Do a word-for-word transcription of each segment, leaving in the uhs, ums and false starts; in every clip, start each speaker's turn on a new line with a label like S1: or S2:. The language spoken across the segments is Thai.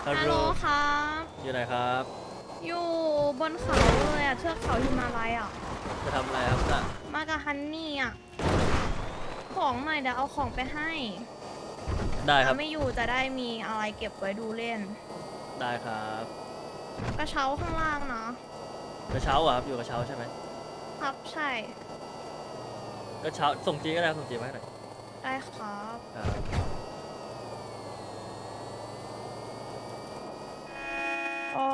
S1: ฮัล
S2: ฮัล
S1: โห
S2: โห
S1: ล
S2: ลครับ
S1: อยู่ไหนครับ
S2: อยู่บนเขาเลยอ่ะเทือกเขาหิมาลัยอ่ะ
S1: จะทำอะไรครับน่ะ
S2: มากับฮันนี่อ่ะ ของหน่อยเดี๋ยวเอาของไปให้
S1: ได้ครั
S2: ถ้า
S1: บ
S2: ไม่อยู่จะได้มีอะไรเก็บไว้ดูเล่น
S1: ได้ครับ
S2: กระเช้าข้างล่างนะ
S1: กระเช้าอ่ะครับอยู่กระเช้าใช่ไหม
S2: ครับใช่
S1: กระเช้าส่งจีก็ได้ครับส่งจีมาให้หน่อย
S2: ได้ครับ
S1: ครับ
S2: อ๋อ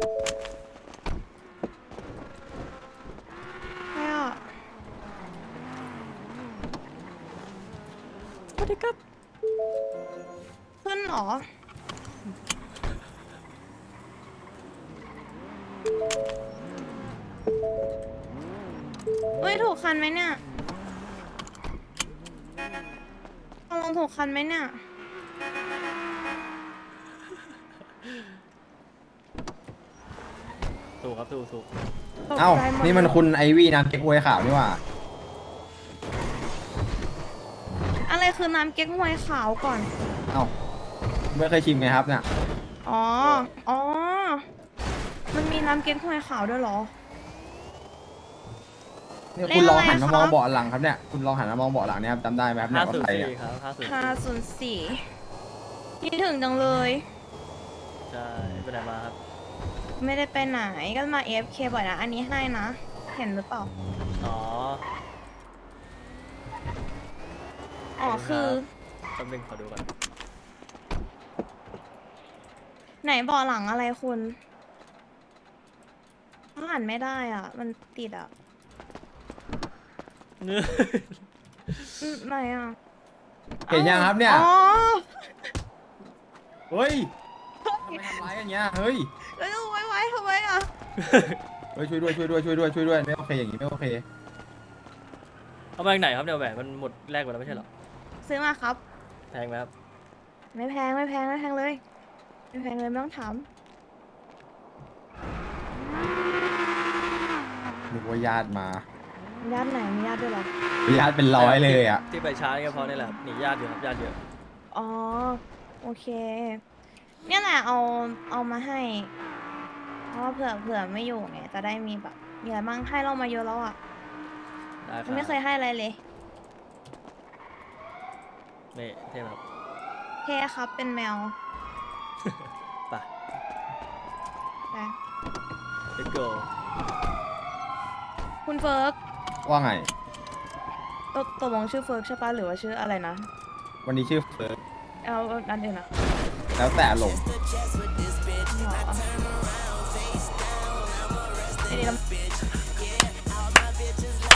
S2: ใครอ่ะ
S1: สวัสดีครับ
S2: ขึ้นเหรอ เฮ้ย ถูกคันไหมเนี่ยเอาลงถูกคันไหมเนี่ย
S1: ถูกครับถูกถูก
S2: ตก
S3: เอ้า
S2: ใจหด
S3: นี่มันคุณไอวี่น้ำเก๊กฮวยขาวนี่หว่า
S2: อะไรคือน้ำเก๊กฮวยขาวก่อน
S3: เอ้าไม่เคยชิมไงครับเนี่ย
S2: อ๋อ อ๋อ มันมีน้ำเก๊กฮวยขาวด้วยเหรอ
S3: นี่
S2: เลข
S3: คุณลอง
S2: อะไร
S3: หันมา
S2: คะ
S3: มองเบาะหลังครับเนี่ย คุณลองหันมามองเบาะหลังเนี่ยครับจำได้ไหมครับเนี่
S1: ห้าย
S3: ว่า
S1: ศูน
S3: ใคร
S1: ย์
S3: เนี่ย
S1: สี่ครับห้าศูนย์
S2: ห้าศูนย์สี่คิดถึงจังเลย
S1: ใช่ไปไหนมาครับ
S2: ไม่ได้ไปไหน ก็มา เอฟ เค บ่อยนะ อันนี้ให้นะ เห็นหรือเปล่า
S1: อ๋อ
S2: อ๋อ คือ
S1: แป๊บนึงขอดูก่อน
S2: ไหนเบาะหลังอะไรคุณอ่านไม่ได้อ่ะ มันติดอ่ะอืมไหนอ่ะ
S3: เห็นยังครับเนี่ย
S2: อ๋อ
S3: เฮ้ยทำไมทำร้ายกันเงี้ย เฮ้ย
S2: แล้วจะไว้ไว้ทำไมอ่ะ
S3: เฮ้ยช่วยด้วยช่วยด้วยช่วยด้วยช่วยด้วยไม่โอเคอย่างงี้ไม่โอเค
S1: เอามาจากไหนครับเนี่ยแหวนมันหมดแรกหมดแล้วไม่ใช่เหรอ
S2: ซื้อมาครับ
S1: แพงไหมครับ
S2: ไม่แพงไม่แพงไม่แพงเลย ไม่แพงเลยไม่ต้องถาม
S3: นึกว่าญาติมา
S2: ญาติไหนมีญาติด้วยเหรอ
S3: ญาติเป็นร้อยเลยอ่ะ
S1: ที่ไปช้านี่ก็เพราะนี่แหละครับหนีญาติอยู่ครับญาติเยอะ
S2: อ๋อ โอเค เนี่ยแหละเอาเอามาให้ เพราะว่าเผื่อเผื่อไม่อยู่ไง จะได้มีแบบมีอะไรบ้างให้เรามาเยอะแล้วอ่ะ
S1: ได้ครั
S2: มันไม่เคยให้อะไรเลย
S1: นี่เท่ไหมครับ
S2: เท่ครับเป็นแมว
S1: ไป
S2: ไป
S1: let's go
S2: คุณเฟิร์ก
S3: ว่าไง
S2: ตกตกลงชื่อเฟิร์กใช่ปะหรือว่าชื่ออะไรนะ
S3: วันนี้ชื่อเฟิร์ส
S2: เอาเอาอันอื่นอ่ะ
S3: แล้วแต่ลง
S2: อ